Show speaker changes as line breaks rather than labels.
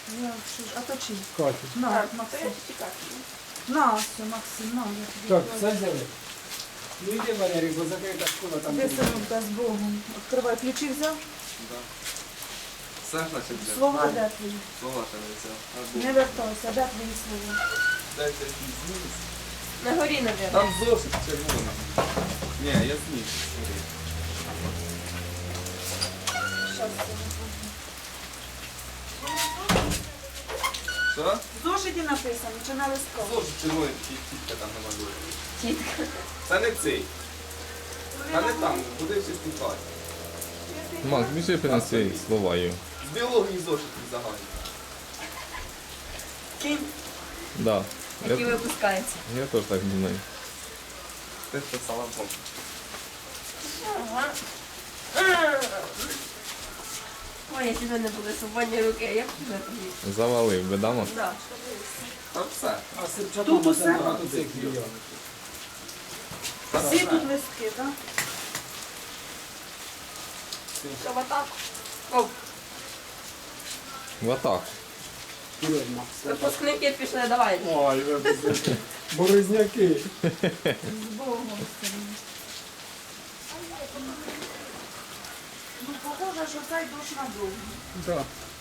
Я що ж, а то чий?
Катю.
На,
Так,
Максим.
чекати.
На, все, Максим, на, я тобі.
Так,
кладу.
все взяли. Ну йди, Валерій, бо закрита школа там.
Де
буде.
синок, з Богом. Відкривай, ключі взяв?
Да. Все ж наче взяв.
Слова де твої?
Слова ще не взяв.
Не вертайся, де твої слова?
Дайте зніс.
На горі, навіть.
Там зошит червоний. Ні, я зніс.
Щас,
Що?
в зошиті написано, чи на листку?
Зошит червоний, тітка там намалює.
Тітка.
Це не цей. Та не там, буде всі спікати.
Макс, біжи принеси слова їм.
З біології зошит загальний.
Кінь,
Да.
який
Я,
випускається.
я теж так думаю.
Ти писала Бог.
Ага. Ой, якщо в мене були свободні руки, я б вже тоді.
Завалив би, да, Макс?
Да.
Там все.
А Сирчатом
Тут
це
усе?
багато цих є.
Всі тут листки, так?
Що в атаку? О,
В атаку.
Вперед, Макс.
випускники пішли, давай.
Ой, випусти. Борозняки.
З Богом. Ну, похоже, що цей душ надовго.
Так.